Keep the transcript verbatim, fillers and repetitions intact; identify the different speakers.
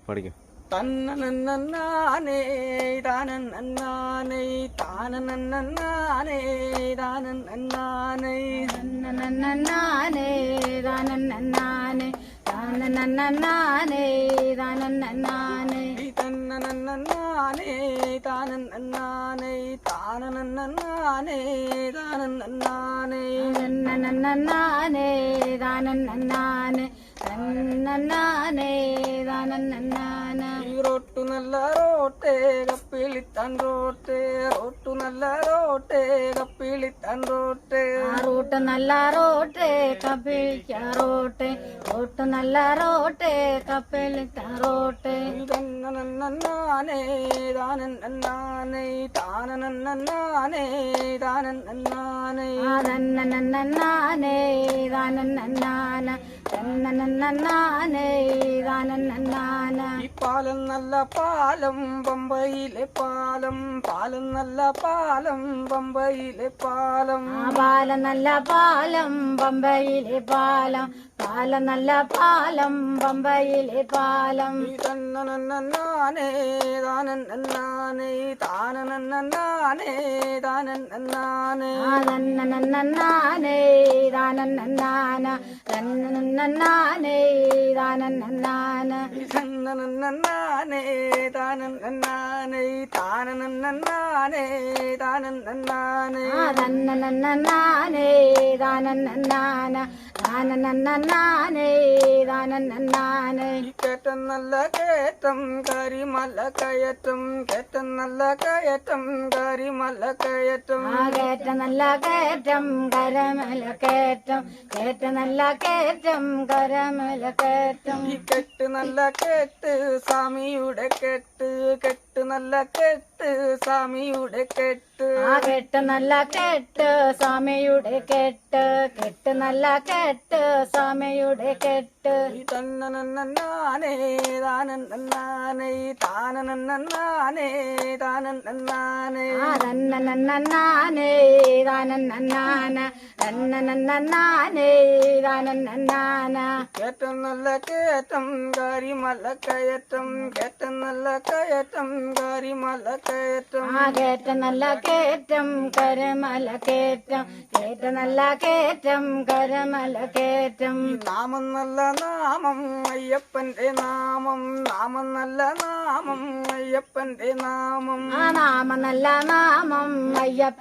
Speaker 1: പഠിക്കും.
Speaker 2: തന്നനന്നാനേ താനന്നന്നാനേ താനനന്നാനേ താനന്നന്നാനേ
Speaker 3: തന്നനന്നാനേ താനന്നന്നാനേ താനനന്നാനേ താനന്നന്നാനേ
Speaker 2: തന്നനന്നാനേ താനന്നന്നാനേ താനനന്നാനേ താനന്നന്നാനേ
Speaker 3: തന്നനന്നാനേ താനന്നന്നാനേ തന്നന്നാനേ താനന്നന്നാന
Speaker 2: റോട്ടു നല്ല റോട്ടേ കപ്പിളിത്താൻ റോട്ടേ റോട്ടു നല്ല റോട്ടേ കപ്പിളിത്താൻ റോട്ടേ
Speaker 3: റൂട്ട് നല്ല റോട്ടേ കപ്പിളിക്ക റോട്ടേ റൂട്ട് നല്ല റോട്ടേ കപ്പിളിക്ക റോട്ടേ
Speaker 2: തന്നനന്നാനേ താനന്നന്നാനേ താനനന്നാനേ താനന്നന്നാനേ
Speaker 3: തന്നനന്നാനേ താനന്നന്നാന തന്നനന്നാനേ താനന്നന്നാന
Speaker 2: ഈ പാലം നല്ല പാലം പമ്പയിലെ പാലം പാലം നല്ല പാലം പമ്പയിലെ പാലം
Speaker 3: ആ പാലം നല്ല പാലം പമ്പയിലെ പാലം പാലം നല്ല പാലം പമ്പയിലെ പാലം
Speaker 2: തന്നനന്നാനേ താനന്നന്നാനേ താനനന്നാനേ താനന്നന്നാനേ
Speaker 3: തന്നനന്നാനേ താനന്നന്നാന തന്നനന്നാനേ താനന്നന്നാന
Speaker 2: തന്നനന്നാനേ താനന്നന്നാനേ താനനന്നാനേ താനന്നന്നാനേ
Speaker 3: തന്നനന്നാനേ താനന്നന്നാന താനനന്നാനേ താനന്നന്നാന
Speaker 2: കേറ്റം നല്ല കയറ്റം കരിമല കയറ്റം കേറ്റം നല്ല കയറ്റം കരിമല കയറ്റം
Speaker 3: ആ കേറ്റ നല്ല കയറ്റം കരമല കയറ്റം കേറ്റ നല്ല കയറ്റം കരമല കയറ്റം
Speaker 2: ഈ കെട്ട് നല്ല കെട്ട് സ്വാമിയുടെ കെട്ട് കെട്ട് നല്ല കെട്ട് സ്വാമിയുടെ കെട്ട്
Speaker 3: ആ കെട്ട് നല്ല കെട്ട് സ്വാമിയുടെ കെട്ട് കെട്ട് നല്ല കെട്ട് സ്വാമിയുടെ കെട്ട്
Speaker 2: തന്നനന്നാനേ താനന്നന്നാനേ താനനന്നാനേ താനന്നന്നാനേ
Speaker 3: ആ തന്നനന്നാനേ താനന്നന്നാന തന്നനന്നാനേ താനന്നന്നാന
Speaker 2: കേറ്റം നല്ല കയറ്റം കരിമല കയറ്റം കേറ്റം നല്ല കയറ്റം കരിമല കയറ്റം
Speaker 3: ആ കേറ്റ നല്ല കയറ്റം കരമല കയറ്റം കേറ്റ നല്ല കയറ്റം കരമല കയറ്റം
Speaker 2: നാമം നല്ല നാമം അയ്യപ്പന്റെ നാമം നാമം നല്ല നാമം അയ്യപ്പന്റെ നാമം
Speaker 3: ആ നാമം നല്ല നാമം അയ്യപ്പ